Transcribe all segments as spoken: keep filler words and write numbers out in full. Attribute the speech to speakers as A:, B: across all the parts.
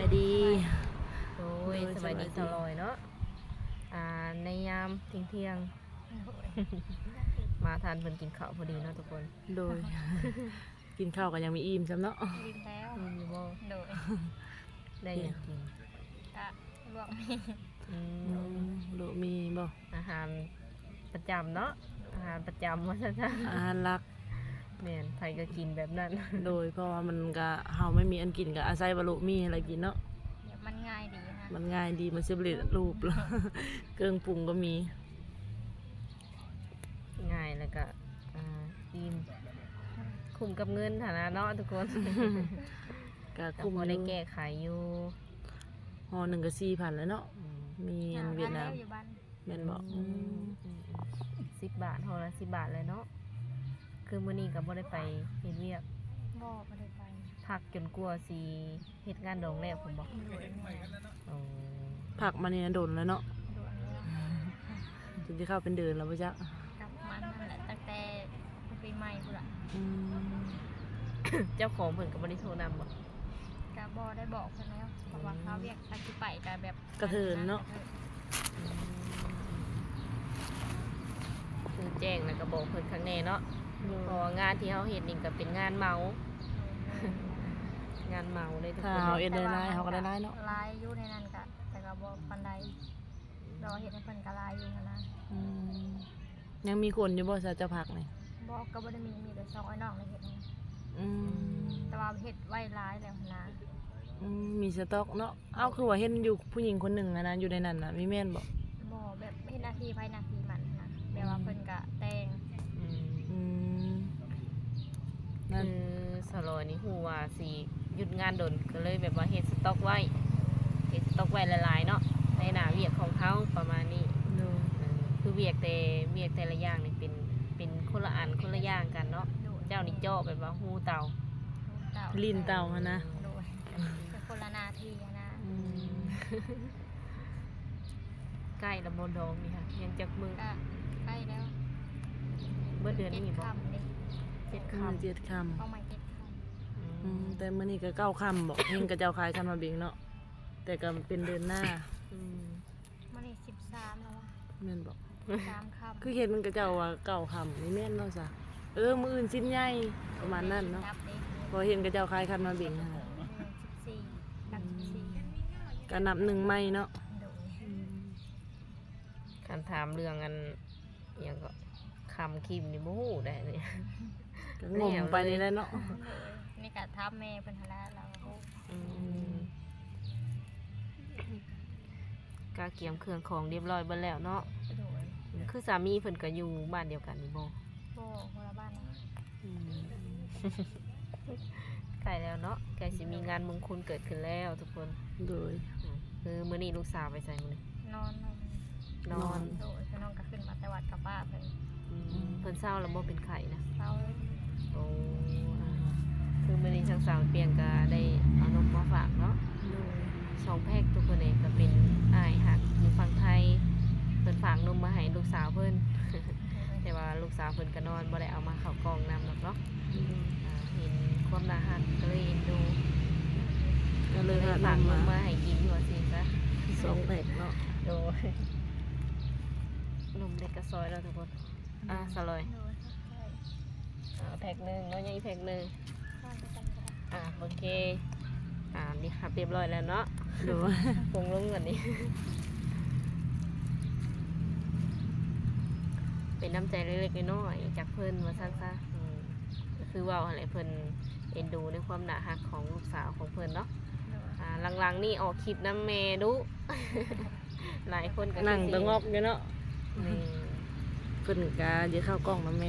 A: ดี
B: โอ้ยสบายดีตลอยเนาะอ่าในยามเที่ยงเที่ยงมาทานเพิ่นกินข้าวพอดีเนาะทุกคน
A: โดย กินข้าวกันยังมีอิ่มซ้ำเนาะ
C: กินแล้ว
B: มีบ่
C: โดย
B: ได้หยังกิน
C: กะลวกมี
B: อื
A: อื
B: ม
A: มโดมีบ่
B: อาหารประจำเนาะอาหารประจำว่าซั่น
A: อาหารหลัก
B: ๆแม่นไผก็กินแบบนั้น
A: โดยเพราะว่ามันก็เฮาไม่มีอันกินก็อาศัยว่าลูกมีอะไรกินเนาะ
C: เดี๋ยวมันง่ายดีนะ
A: มันง่ายดีมันสิบลิรูป แล้ว เครื่องปรุงก็มี
B: ง่ายแล้วก็อ่าอิ่มคุ้มกับเงินฐานะเนาะทุกคน
A: ก็
B: ก็
A: คุ้ม
B: พอ
A: อ
B: ได้
A: ยู่
B: แก้ไขอยู่
A: ห่อหนึ่งก็สี่พันแล้วเนาะ
B: อืม
A: มีอันเวียดนาม
C: อยู่บ้าน
A: แม่นบอก
B: อืมสิบบาทห่อละสิบบาทเลยเนาะคือมื้อนี้ก็บ่ได้ไปเฮ็ดเวียก
C: บ่ไม่ได้ไป
B: พักจนกลัวสิเฮ็ดงานดองแล้วผมบอก
C: โดยเมื่อย
B: อ๋อ
A: ผักมาเนี่ยโดนแล้วเนาะ
C: ด่วนเลย
A: จนที่เข้าเป็นเดือนแล้วป่ะจ๊ะ
C: กลับมันนั่นแหละตั้งแต่ปีใหม่พุ่นละ
A: อืม
B: เจ้าของเพิ่นก็บ่ได้โทรนำบ่
C: กะบ่ได้บอกเพิ่นแล้วเพราะว่าเขาเรียกอาชีพไปกะแบบ
A: กระเทินเนาะ
B: คือแจ้งแล้วก็บอกเพิ่นข้างในเนาะเพราะว่างานที่เฮาเฮ็ดนี่ก็เป็นงานเมา งานเมาเลยทุก
A: ถ้า
B: คน
A: เฮาเอ็นได้ไล่เขาก็ได้ไล่เนาะ
C: ลายอยู่ในนั้นกะแต่ก็บ่ปานใดรอเฮ็ดให้เพิ่นก็ลายอยู่หั้นนะ
A: อืมยังมีคนอยู่บ่ซะเจ้าผักนี่
C: บ่ก็บ่ได้มีมีแต่สองไอ้น้องในเฮ็ดนะ
A: อืม
C: แต่ว่าเฮ็ดไว้หลายแล้วหั้นนะ
A: อืมมีสต็อกเนาะเอ้าคือว่าเห็นอยู่ผู้หญิงคนหนึ่งอะนะอยู่ในนั้นน่ะมีแม่นบ่
C: บ่แบบเฮ็ดหน้าที่ภายหน้าที่มันนะแบบว่าเพิ่นก็แต่ง
B: อืม
A: อืมนั่น
B: คือสลอยนี่ฮู้ว่าสิหยุดงานดนก็เลยแบบว่าเฮ็ดสต็อกไว้เฮ็ดสต็อกไว้หลายๆเนาะในหน้าเวียกของเขาประมาณนี้
A: ดู
B: เออคือเวียกแต่เวียกแต่ละอย่างนี่เป็นเป็นคนละอันคนละอย่างกันเนาะ
C: โดย
B: เจ้านี่เจาะแบบว่าฮู้เตา
C: เต่า
A: ลิ้นเต่าหั่นนะ
C: โดยเป็นคนละหนาทีอะนะ
A: อืม
B: ใกล้ละมนดองนี่ค่ะยังจักมือ
C: ก็ใกล้แล้ว
B: เมื่อเดือนนี้
C: เจ็ด
B: บ่
C: คำนี่
B: เจ็ด
A: อืม
B: คำ
A: เจ็ดค
C: เข้ามาเจ็ดค
B: อื
A: ำอื
B: ม
A: มแต่มื้อนี้ก็เก้าคำบอกเฮงกับเจ้าคายกันมาเบงเนาะแต่ก็เป็นเดือนหน้า
B: อืม
C: ำมันนี่สิบสามแล้ววะ
A: แม่นบอก
C: สามคำ
A: คือเห็นมันกับเจ้าว่าเก้าคำนี่แม่นเนาะซะเออมื้ออื่นสิ้นใหญ่ประมาณนั้นเนาะ
C: นับดิ
A: พอเห็นกับเจ้าคายกันมาเบงหั่นน่ะ
C: สิบสี่กับสิบสี่
A: ก็นับหนึ่งไม่เนาะ
C: โดย
B: คันถามเรื่องอันอหยังก็คำคิมนี่บ่ฮู้ได้เลย
A: ก็งงไปนี่แหละเนาะ
C: โดยนี่กะทับแม่เป็นหนละเราก็
B: อืมกาเกียมเครื่องของเรียบร้อยเบิดแล้วเนาะ
C: โดย
B: คือสามีเพิ่นก็อยู่บ้านเดียวกันนี่บ่
C: โบคนละบ้านนะ
B: อืม ใกล้แล้วเนาะใกล้สิมีงานมงคลเกิดขึ้นแล้วทุกคน
A: โดย
B: อืมคือมื้อนี้ลูกสาวไปไสมื้อนี้
C: นอนนอน
B: นอน
C: โดยคือน้องก็ขึ้นมาแต่วัดกับป้าเพิ่น
B: อืมเพิ่นเศร้าแล้วบ่เป็นไข้นะ
C: เศร้า
B: โอ้อ่าคือมื้อนี้ทางสาวเปียงก็ได้เอานมมาฝากเนาะ
A: โดย
B: สองแพ็คทุกคนเองก็เป็นอ้ายหักอยู่ฝั่งไทยเพิ่นฝากนมมาให้ลูกสาวเพิ่น แต่ว่าลูกสาวเพิ่นก็นอนบ่ได้เอามาเข้ากล่องนำหรอกเนาะอ่าเห็นความน่ารักก็เลยเอ็นดู
A: ก็เลย
B: เลย
A: หา
B: ฝากน
A: นำ
B: ม
A: มา
B: มาให้กินอยู่ว่าสิซะ
A: สองแพ็คเนาะ
B: โดยนมเด็กกระซอยแล้วทุกคน อ่ะสลอย
C: โดยใช่
B: อ่าแพ็คหนึงแล้วยังอีกแพ็คหนึง
C: ข้าวด้วยกันก็ได้
B: อ่าโอเคอ่านี่ครับเรียบร้อยแล้วเนาะ
A: โดย
B: ปรุงลงกันนี่ เป็นน้ำใจเล็กๆน้อยๆจากเพิ่นมาสั้นซะอืมก็คือว่าอะไรเพิ่นเอ็นดูในความหนาหักของลูกสาวของเพิ่นเนาะ
C: โดย
B: อ่าหลังๆนี่ออกคลิปน้ำเมดุ หลายคนก็
A: นั่ง
B: คือสิ
A: ตะงอกอยู่เนาะ
B: นี่
A: เพิ่นก็จะเข้ากล้องนะแม่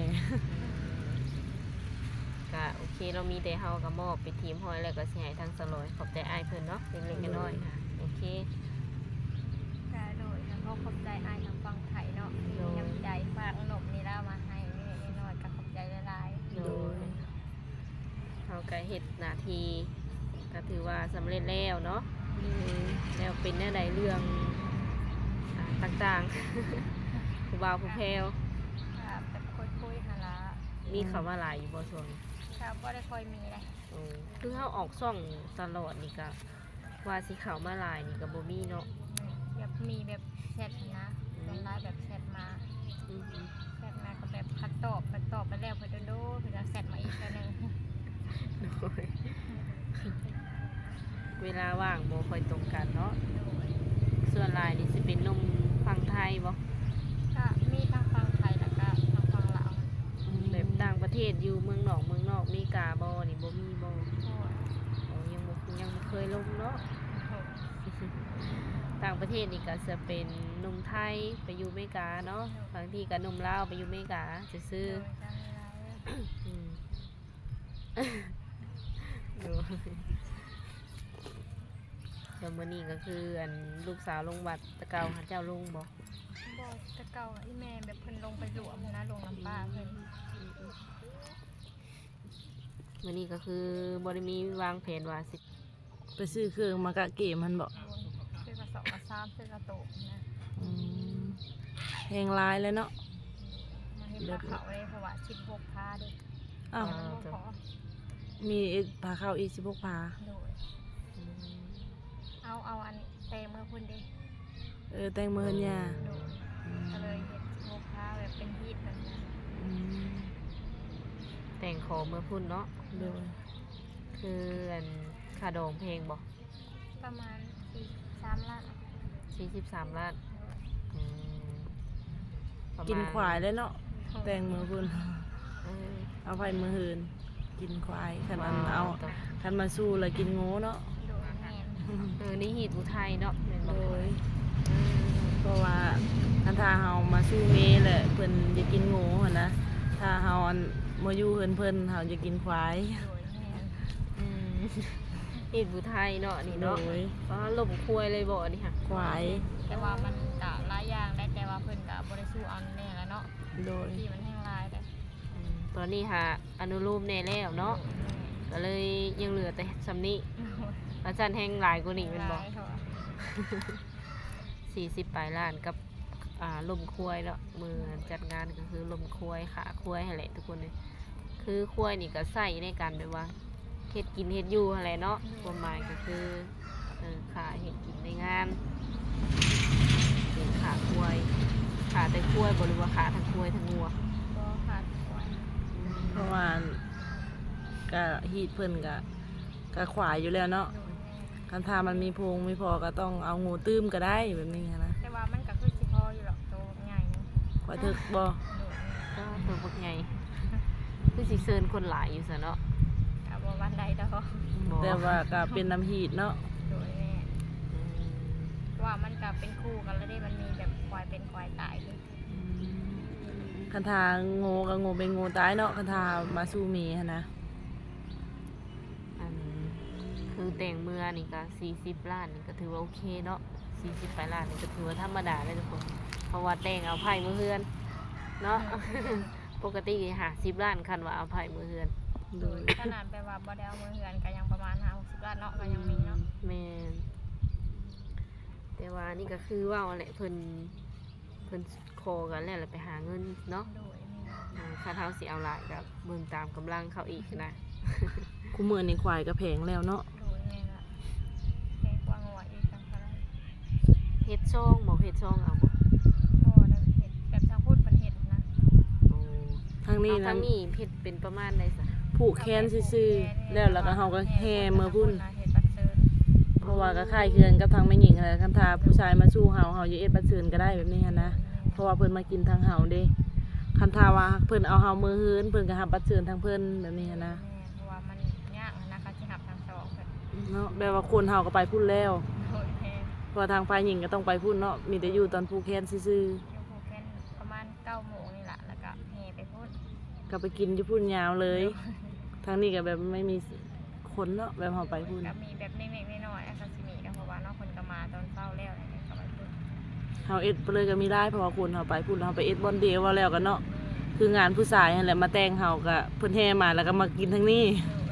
B: ก็โอเคเรามีแต่เฮากับมอบไปทีมหอยแล้วก็สิให้ทางสลอยขอบใจอ้ายเพิ่นเนาะเล็กๆน้อยๆค่ะโอเค
C: ก็โดยแล้วก็ขอบใจอายทางฟังไทยเนาะที่น้ำใจฝากขนมนี่แล้วมาให้นิดๆหน่อยๆก็ขอบใจหลาย
B: โดยเฮาก็เฮ็ดหน้าที่ก็ถือว่าสำเร็จแล้วเนาะแล้วเป็นแนวใดเรื่องอ่าต่างๆ ผู้บ่าวผู้แพรว
C: ๆครับแต่คุยๆหั่นละ
B: มีคำว่าหลายอยู่บ่ช่วงนี้
C: ครับบ่ได้ค่อยมีเลย
B: อืมคือเฮาออกช่องตลอดนี่ก็ว่าสิเข้ามาหลายนี่ก็บ่มีเนาะ
C: แบบมีแบบแชทนะส่วนไลน์แบบแชทมา
B: อืม
C: แชทมาก็แบบพัดตอบพัดตอบไปแล้วเพิ่นโดนๆเพิ่นก็แชทมาอีกแล้วนึง
B: โดยเวลาว่างบ่ค่อยตรงกันเนาะ ส่วนหลายนี่สิเป็นหนุ่มฝั่งไทยบ่
C: ก็มีทั้งฟังไทยแล้วก็ทั้งฟังลาว
B: แบบต่างประเทศอยู่เมืองนอกเมืองนอกมีกาบ่นี่บ่มีบ่
C: โอ้ย
B: อ๋อยังบ่ยังบ่เคยลงเนาะ ต่างประเทศนี่ก็จะเป็นหนุ่มไทยไปอยู่อเมริกาเนาะบางทีก็หนุ่มลาวไปอยู่อเมริกาซื่อ
C: โดยจะมีหลายเลย
B: ๆอืม ดูเดี๋ยวมื้อนี้ก็คืออันลูกสาวลงวัดตะเกาหาเจ้าลงบ่
C: บอกแต่เก่าอะอีแม่แบบเพิ่นลงไปหลวมนะลงน้ำป้าเพิ่น
B: มื้อนี้ก็คือบ่ได้มีวางแผนว่าสิ
A: ไปซื้อเครื่องมากะเกมมันบอก
C: ซื้อกระสอบกระซ้ำซื้อกระโตกนะ
A: อืมแหงร้ายเลยเนาะ
C: มาเห็นปลาเขาเลยเพราะว่าชิดพกพาเด็ก
A: อ้าว
C: ยังบ่พอ
A: มีอีกพาเข้าอีกสิบหกพา
C: โดยเอาเอาอันเตเมื่อพุ่นเด็ก
A: เออแต่งมือเนี่ย
C: โดยก็เลยเห็นชิดพกพาแบบเป็นฮีทแบบนั้น
A: อืม
B: แต่งขอเมื่อพุ่นเนาะ
A: โดย
B: คืออันค่าดองเพลงบ่
C: ประมาณสี่สามล้าน
B: สี่สิบสามล้านอืมประมณ
A: กินควายได้เนาะแต่งมือพุ่น
B: เออ
A: เอาไปมือหืนกินควายคันอัน
B: ว้ว
A: เอา
B: ต่
A: คันมาสู้เลยกินงูเนาะ
C: โดยแมน
B: เออนี่หีดอุทัยเนาะแม่นบ่
A: โดย
B: อืม
A: เพราะว่าคันถ้าเฮามาสู้เมแหละเพิ่นจะกินงูหั่นนะถ้าเฮาอันมาอยู่เพิ่นเพิ่นเฮาจะกินควาย
C: โดยแมน
B: อืมหีดอุทัยเนาะนี่
A: โด
B: เนาะ
A: ย
B: อ๋อลมควยเลยบ่นี่ค่ะ
A: ควาย
C: แต่ว่ามันกะหลายอย่างได้แต่ว่าเพิ่นกะบ่ได้สู้เอาแน่แล้วเนาะ
A: โดย
C: ที่มันแห้งลายได้
B: อืมตอนนี้หาอนุรูปแน่แล้วเนาะก็เลยยังเหลือแต่ซำนี้อาจารย์แห่งหลายกว่านี้แม่นบ่
C: ลายเขาอะ
B: สี่สิบปลายล้านกับอ่าลมควยเนาะมือจัดงานก็คือลมควยขาควยให้แหละทุกคนเลยคือควยนี่ก็ใส่ในการแบบว่าเฮ็ดกินเฮ็ดอยู่อะไรเนาะความหมายก็คือเออขาเฮ็ดกินในงานเป็นขาควยขาแต่ควยบ่หรือว่าขาทั้งควยทั้งงัว
C: ก็ขาดควาย
A: เพราะว่าก็ฮีดเพิ่นก็ก็ขวายอยู่แล้วเนาะ
C: โดยแม่
A: คันถ้ามันมีโพรงไม่พอก็ต้องเอางูตื้มก็ได้แบบนี้นะ
C: แต่ว่ามันก็คือสิพออยู่หรอกโตใหญ่เนาะ
A: ขวายถึกบ่
C: โดยแม่
B: ก็ตัวพวกใหญ่คือสิเซินคนหลายอยู่ซะเนาะ
C: กะบ่วันใดดอก
B: บ่
A: แต่ว่าก็เป็นน้ำฮีดเนาะ
C: โดยแม่
B: อืม
C: ว่ามันก็เป็นคู่กันแล้วได้มันมีแบบควายเป็นควายตายด้วย
A: คันทางูกับงูเป็นงูตายเนาะคันทามาสู้หมีหั้นนะ
B: อันคือแต่งเมื่อนี่ก็สี่สิบล้านนี่ก็ถือว่าโอเคเนาะสี่สิบปลายล้านนี่ก็ถือว่าธรรมดาเลยทุกคนเพราะว่าแต่งเอาไผ่มือเฮือนเนาะ ปกติหาสิบล้านคันว่าเอาไผ่มือเฮือน
A: โดย
C: ขนาดแบบว่าบ่ได้เอามือเหือนก็ยังประมาณห้าหกสิบล้านเนาะก็ยังมีเนาะ
B: แม่นแต่ว่านี่ก็คือว่าแหละเพิ่นเพิ่นโคกันแล้วแหละไปหาเงินเนาะ
C: โดยแม่
B: อ่าค่าเท้าสิเอาหลายกับเบิ่งตามกำลังเขาอีกนะ
A: คู่มือนี่ควายก็แพงแล้วเนาะ
C: โดยแม่ละแพงกว่างัวอีกจังเท่าไหร่
B: เฮ็ดช่องบ่เฮ็ดช่องเอาบ่
C: ก็ได้เห็ดแบบทางพูดเป็นเห็ดนะ
B: โอ้
A: ทางนี้
B: เอา
A: นะ
B: ทางนี้เฮ็ดเป็นประมาณใดซะ
A: ผูกแขนซื่อๆแล้วแล้วก็เฮาก็แห่มือพุ่น
C: เห็ดปัดเซิน
A: เพราะว่าก็คล้ายเคือนกับทางแม่หญิงอะไรคันทาผู้ชายมาสู้เฮาเฮาอย่าเอ็ดบัดเชิญก็ได้แบบนี้หั้นนะเพราะว่าเพิ่นมากินทางเฮาเด้คันทาว่าเพิ่นเอาเฮามือฮื้นเพิ่นก็หับบัดเชิญทางเพิ่นแบบนี้หั้นนะ
C: แม่เพราะว่ามันยากนะคะที่หับทางสองเพิ่น
A: เนาะแบบว่าคนเฮาก็ไปพุ่นแล้ว
C: โดยแม่
A: เพราะว่าทางฝ่ายหญิงก็ต้องไปพุ่นเนาะมีแต่อยู่ตอนผูกแขนซื่อ
C: อยู่ภูเก็ตประมาณเก้าโมงนี่แหละแล้วก็แห่ไปพูด
A: ๆก็ไปกินอยู่พุ่นยาวเลย ทางนี้ก็แบบไม่มีคนเนาะแบบเฮาไปพุ่น
C: ก็มีแบบเล็กๆน้อยๆอาคาซิมิก็เพราะว่าเนอกคนก็มาตอนเช้าแล้วอะไรเงี้ยก็ไปพูด
A: เฮาเอ็ดไปเลยก็มีได้เพราะว่าคนเฮาไปพุ่นเฮาไปเอ็ดบอนเดย์ว่าแล้วกันเนาะคืองานผู้ชายนั่นแหละมาแต่งเฮาก็เพิ่นแห่มาแล้วก็มากินทางนี้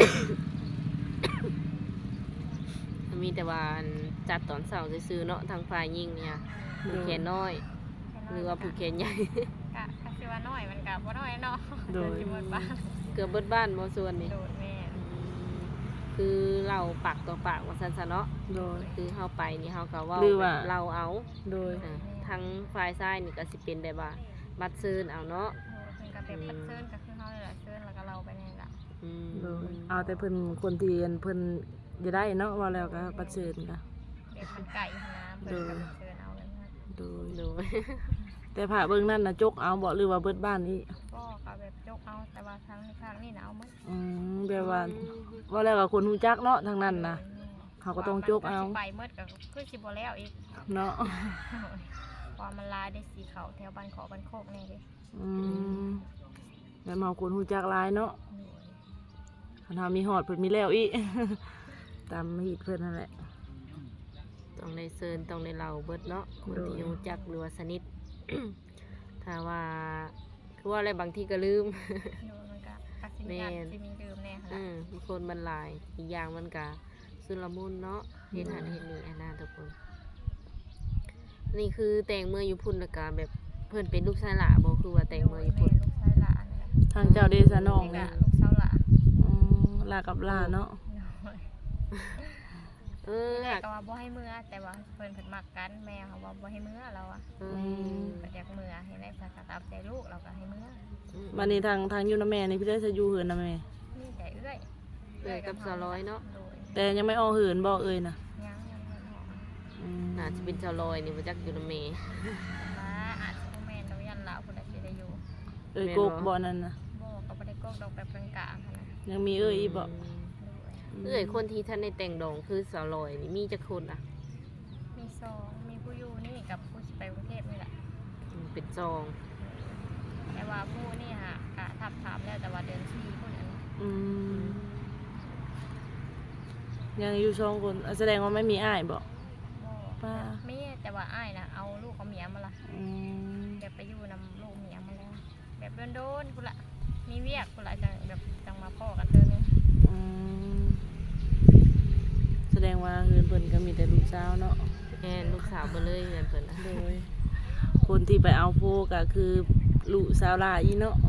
B: มีแต่ว่าอันจัดตอนเช้าซื่อๆเนาะทางฝ่ายหญิงเนี่ยผูกแขนน้อย หรือว่าผูกแขนใหญ่
C: กะกะสิว่าน้อยมันกะบ่น้อยเนาะ
A: โดย
C: อยู่บนบ้าน
B: เกือบเบิดบ้านบ่ส่วนนี่
C: โดดแม่
A: ค
B: คือเราปากต่อปากว่าซั่นซะเนาะ
A: โดย
B: คือเฮาไปนี่เฮาก็เว้า
A: หรือว่า
B: แบบเราเอา
A: โดย
B: อ่าทางฝ่ายซ้ายนี่ก็สิเป็นได้ว่าบัดซื้นเอาเนาะ
C: เพิ่นก็แบบปัดเชิญก็คือเฮานี่แหละเชิญแล้วก็เราไปนี่ล่ะ
B: อืม
A: โดยเอาแต่เพิ่นคนที่เพิ่นจะได้เนาะว่าแล้วก็ปฏิเสธก็
C: แบบมันไก่หั้นนะเพิ่นก็ไปเชิญเอาเลยนะ
A: โดย
B: โดย
A: แต่พระเบิ่งนั่นน่ะจกเอาบ่หรือว่าเบิดบ้านนี้
C: ก็ก็แบบยกเอาแต่ว่าทางนี้ข้างนี่น่ะเอาหมด
A: อืมแบบว่าว่าแล้วก็คนฮู้จักเนาะทางนั้นน่ะ เขาก็ต้องยกเอา
C: ว่มันสิไปหมดก็คือสิบ่แล้วอีก
A: เนาะ
C: เพราะมันลายได้สีเขาแถวบ้านขอบ้านโคกนี่เด้
A: อืมแล้วเมาคนฮู้จักหลายเนาะคันเฮามีฮอดเพิ่นมีแล้วอีก ตามฮีดเพิ่นนั่นแหละ
B: ต้องได้เซินต้องได้เล่าเบิดเนาะคน
A: โดย
B: ที่รู้จักหรือว่าสนิท ถ้าว่าคือว่าอะไรบางทีก็ลืม
C: อยู่มันก็ตัดสิน
B: แม่
C: ใจ
B: น
C: สิมีลืมแน่ค่ะ
B: อืมบางคนมันหลายอีกอย่างมันก็สุลมุนเนาะเห็นหันเห็นนี่อันนั้นทุกคนนี่คือแต่งเมื่ออยู่พุ่นแล้วก็แบบเพิ่นเป็นลูกชายหล่าบ่คือว่าแต่งเมื่ออยู่พุ่น
C: ลูกชายหลานนี่แหละ
A: ทางเจ้าเดชะน้อง
C: นี่
A: นี่
C: ก็ลูกสาวหลาน
A: อืมลากับลาเนาะ
B: เออ
C: แร
B: หั
C: ก
B: ก
C: ก็ว่าบ่ให้มือแต่ว่าเพิ่นเพิ่นมักกันแม่เขาว่าบ่ให้มือเราอะ
B: เอ
A: อื
B: อ
A: ม
C: เพิ่นอยากมือให้ได้ภาษาตามใจลูกเราก็ให้มือ
A: บัดนี้ทางทางอยู่นำแม่นี่พี่ได้จะอยู่เหินนำแม่
C: นี่แต่เอื้อย
B: เอื้อยกับสาวร้อยเนาะ
C: โดย
A: แต่ยังไม่ออกเหินบ่เอ่ยน่ะ
C: ยังยังบ่พอ
A: อืม
B: น่าจะเป็นชาวลอยนี่มาจากอยู่นำเม
C: มาอาจจะบ่แม่นเรายันลาวพุ่นน่ะสิได้อยู่
A: เอ่ยกกบ่นั่นน่ะ
C: บ่ก็บ่ได้กกดอกแบบกลางๆหั่นน่ะ
A: ยังมีเอ่ยอีกบ่
C: โดย
B: เอื้อยคนที่ท่านในแต่งดองคือสาวลอยนี่มีจักคนอ่ะ
C: มีสองมีผู้อยู่นี่กับผู้สิไปกรุงเทพนี่แหละ
B: อืมเป็นจอง
C: แต่ว่าผู้นี่ฮะกะทับถามแล้วแต่ว่าเดือนสี่คนนั้น
A: อืมยังอยู่สองคนอ่ะแสดงว่าไม่มีอ้ายบ่
C: บ่
A: ป้า
C: มีแต่ว่าอ้ายนะเอาลูกเอาเมียมาละ
A: อืม
C: แบบไปอยู่นำลูกเมียมาแล้วแบบโดนๆคุณละมีเวียกคุณละจังแบบจังมาพ่อกันเตือนนึง
A: อืมแสดงว่าเหินเพิ่นก็มีแต่ลูกสาวเนาะ
B: แอนลูกสาวเบเลยเงินเพิ่นนะ
A: โดย คนที่ไปเอาโพก็คือลูกสาวหลายอีเนาะ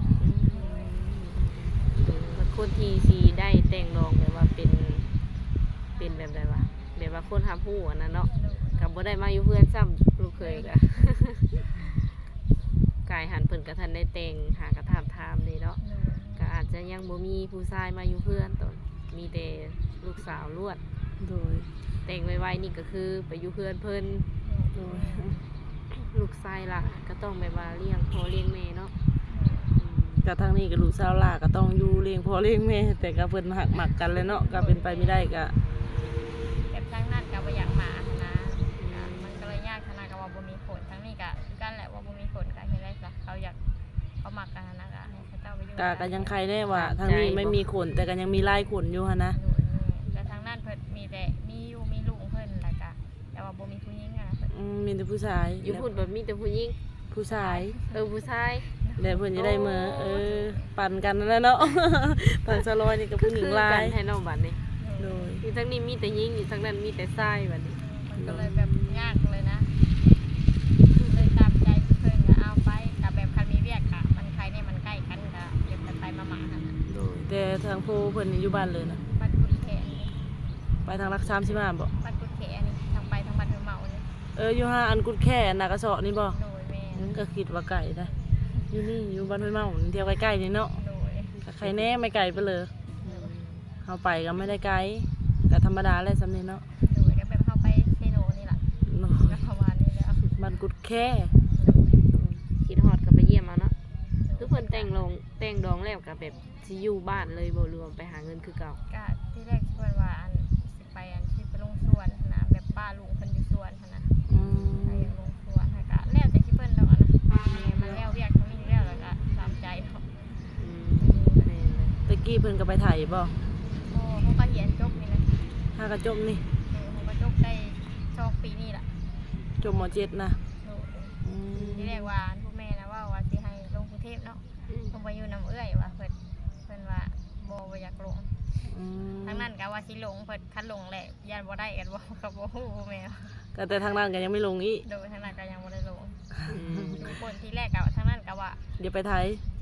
B: แล้วคนที่สีได้แต่งดองแบบว่าเป็นเป็นแบบใดวะแบบว่าคนทำผู้อันนั้นเนาะกับบ่ได้มาอยู่เพื่อนซ้ำลูกเคยกะ กายหันเพิ่นกะทันได้แต่งหากระถามถามนี่เนาะก็อาจจะยังบ่มีผู้ชายมาอยู่เพื่อนตอนมีแต่ลูกสาวล้วน
A: โดย
B: แต่งไวๆนี่ก็คือไปอยู่เพื่อนเพิ่น
A: โดย
B: ลูกชายล่ะก็ต้องแบบว่าเลี้ยงพ่อเลี้ยงแม่เนาะ
A: กับทางนี้กับลูกสาวหลาก็ต้องอยู่เลี้ยงพ่อเลี้ยงแม่แต่ก็เพิ่นหักหมักกันเลยเนาะก็เป็นไปไม่ได้ก็
C: แบบทั้งนั้นกับว่าอยากมาหั้นนะอ่ะมันก็เลยยากขนาดกับว่าบ่มีผลทั้งนี้กะกันแหละว่าบ่มีผลกะเห็นไรจ้ะเขาอยากเขามักกันหั้นนะกะให้เขาเจ้าไปอยู่
A: ก็ก็ยังใครแน่ว่าทางนี้ไม่มีขนแต่ก็ยังมีลายขนอยู่หั่นนะ
C: นู่นนี่แต่ทางนั้นเพิ่นมีแต่มีอยู่มีลุงเพิ่นแล้วก็แต่ว่าบ่มีผู้หญิงอะนะเพิ่น
A: อืมมีแต่ผู้ชาย
B: อยู่พูดแบบมีแต่ผู้หญิง
A: ผู้ชาย
B: เออผู้ชาย
A: แล้วเพิ่นจะได้มือเออปั่นกันนั่นแหละเนาะ ทางสลอยนี่กับผู้หญิงลา
B: กั
A: ย
B: นให้น้องบัดนี่
A: โดย
B: อยู่ทั้งนี้มีแต่หญิงอยู่ทั้งนั้นมีแต่ชายบัดนี้
C: มันก็เลยแบบยากเลยนะเลยตามใจเพิ่นก็เอาไปกับแบบคันมีเวียกอะมันใครเนี่ยมันใกล้กันก็เดี๋ยวไปๆมาๆหั่นน่ะ
A: โดยแต่ทางผู้เพิ่นนี่อยู่บ้านเลยนะ
C: บ้านกุดแขนี่
A: ไปทางรักสามสิบห้าบ่
C: บ้านกุดแขนี่ทางไปทางบ้านเฮอเมานี่
A: เอออยู่ห้าอันกุดแค่นากระเสาะนี่บ่
C: โดยแม่น
A: ก็คิดว่าไก่ได้อยู่นี่อยู่บ้านห้วยเมาเที่ยวใกล้ๆนี่เนาะ
C: โดย
A: ก็ใครแน่ไม่ไกลไปเลยเอาไปก็ไม่ได้ไกลก็ธรรมดาแหละสำนี้เนาะ
C: โดยก็แบบเข้าไปเซโนนี่ล่ะ
A: เนาะ
C: ก็ประมาณนี้แล้ว
A: บ้านกุดแค่
B: คิดฮอดก็ไปเยี่ยมเอาเนาะคือเพิ่นแต่งลงแต่งดองแล้วก็แบบสิอยู่บ้านเลยบ่รวมไปหาเงินคือเก่า
C: ก็ที่แรกเพิ่นว่าอันสิไปอันสิไปลงสวนหั่นนะแบบป้าลุงเพิ่นอยู่สวนหั่นนะ
A: อืม
C: ไปลงสวนหั่นก็แล้วแต่ที่เพิ่นดอกอะนะมันแล้วเวียกทั้งนี้แล้วแล้วก็ตามใจเนาะ
B: อืมแม่นเลย
A: ตะกี้เพิ่นก็ไปถ่ายบ่
C: โอ้เขาก็เรียนจบนี่นะ
A: ถ้ากระจมนี่
C: เออเขาก็จบได้สองปีนี่ล่ะ
A: จมมเจ็ดนะ
C: โดย
A: อืม
C: ที่แรกว่าอันพวกแม่นะว่าว่าสิให้ลงกรุงเทพเนาะ
B: อืม
C: ลงไปอยู่น้ำเอื้อยว่าเพิ่นเพิ่นว่าบ่บ่อยากลง
A: อืม
C: ทั้งนั้นก็ว่าสิลงเพิ่นคันลงแหละยันบ่ได้กันบ่ก็บ่ฮู้แม่ว่า
A: ก็แต่ทางนั้นก็ยังไม่ลงอีก
C: โดยทั้งนั้นก็ยังบ่ได้ลง
B: อืม
C: ทุกคนที่แรกก็ทั้งนั้นก็ว่า
A: เดี๋ยวไปไทย
C: สิ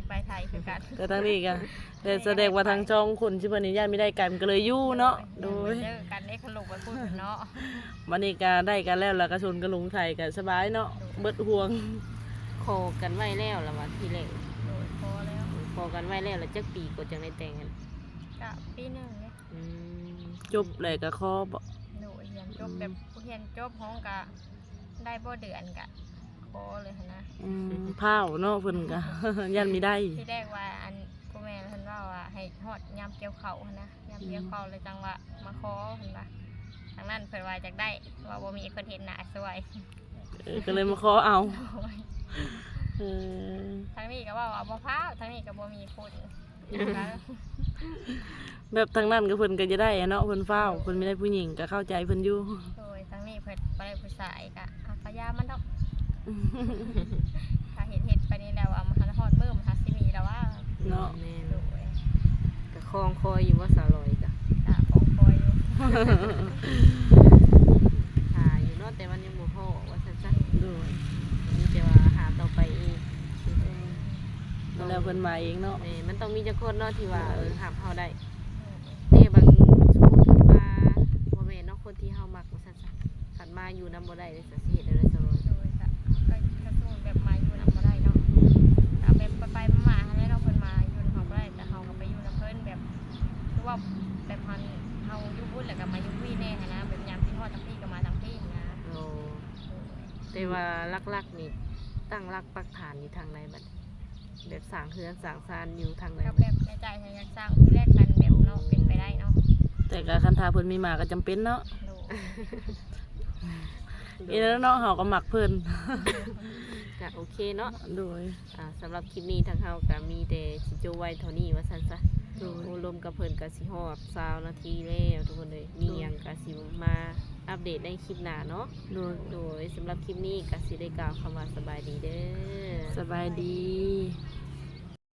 C: ไปไทยคือกัน
A: แต่ทั้งนี้ก็แต่แสดงว่าทางช่องคนที่เพิ่นนี่ญาติไม่ได้กันก็เลยอยู่เนาะโดย
C: เจอกันได้ขลุกไปพูดเนาะ
A: วันนี้ก็ได้กันแล้วแล้วก็ชนกันลงไทยก็สบายเนาะเบิดห่วง
B: โคกันไว้แล้วล่ะว่าทีแรก
C: โดยพอแล้ว
B: โคกันไว้แล้วแล้วจักปีก็จังได้แต่งกัน
C: กะปีหนึ่งเนี่ย
B: อืม
A: จบเลยก็ขอบ่
C: โดยเรียนจบแบบเรียนจบห้องกะได้บ่เดือนกะพอเลยหั้นนะ
A: อืมพาวเนาะเพิ่นก็ ยันไม่ได้
C: ที่แรกว่าอันพ่อแม่เพิ่นว่าว่าให้ฮอดยามเกี่ยวข้าวหั้นนะยามเกี่ยวข้าวเลยจังว่ามาขอเพิ่นว่าทางนั้นเพิ่นว่าอยากได้ว่าบ่มีคนเห็นหน้าสวย
A: เออก็เลยมาขอเอาเออ
C: ทางนี้ก็ว่าว่าบ่พร้าวทางนี้ก็บ่มีคนก็
A: แบบทางนั้นก็เพิ่นก็จะได้อะเนาะเพิ่นฟ้าวเพิ่นไม่ได้ผู้หญิงก็เข้าใจเพิ่นอยู่
C: โดยทางนี้เพิ่นบ่ได้ผู้ชายก็อ่ะพยายามมันดอกถ้าเฮ็ดเฮ็ดไปนี่แล้วอ่ะมันฮอดมื้อมันหาสิมีแล้วว่า
A: เนาะ
B: แม่น
C: โดย
B: ก็คลองคอยอยู่ว่าสาวลอยก็
C: ตาของคอยอยู่
B: หาอยู่เนาะแต่มันยังบ่พอว่าซั่นซะ
A: โดย
B: มีแต่ว่าหาต่อไปอีก
A: แล้วเพิ่นมาเองเนาะ
B: แม่มันต้องมีจักคนเนาะที่ว่าเออหับเฮาได้แต่บางสมมุติเพิ่นมาบ่แม่นเนาะคนที่เฮามักว่าซั่นซะคันมาอยู่นำบ่ได้เลยสิเฮ็ดอะไรสาวลอย
C: โดยก็ก็กระสู้แบบมาอยู่นำบ่ได้เนาะก็แบบไปๆมาๆให้เราเพิ่นมาอยู่นำเฮาบ่ได้แต่เฮาก็ไปอยู่นำเพิ่นแบบคือว่าแบบมันเฮาอยู่บุญแล้วก็มาอยู่พี่แน่หั้นนะแบบยามที่ฮอดทั้งพี่ก็มาทั้งพี่หั้นนะ
B: โอ้แต่ว่าลักๆนี่ตั้งรักปักฐานอยู่ทางไหนบัดแบบสร้างเฮือนสร้างศาลอยู่ทางไหน
C: ก็
B: บัด
C: แบบในใจฉันอยากสร้างที่แรกกันแบบเนาะเป็นไปได้เนาะ
A: แต่ก็คันทาเพิ่นมีมาก็จำเป็นเนาะ
C: โดย
A: อีแล้วเนาะเฮาก็มักเพิ่น
B: ก็โอเคเนาะ
A: โดย
B: อ่าสำหรับคลิปนี้ทางเฮาก็มีแต่สิโจไว้เท่านี้ว่าซั่นซะ
A: โดย
B: โอ้ลมกับเพิ่นก็สิฮอดสามนาทีแล้วทุกคนเลยมีหยังก็สิมาอัปเดตในคลิปหน้าเนาะ
A: โดย
B: โดยสำหรับคลิปนี้ก็สิได้กล่าวคำว่าสบายดีเด้อ
A: สบายดี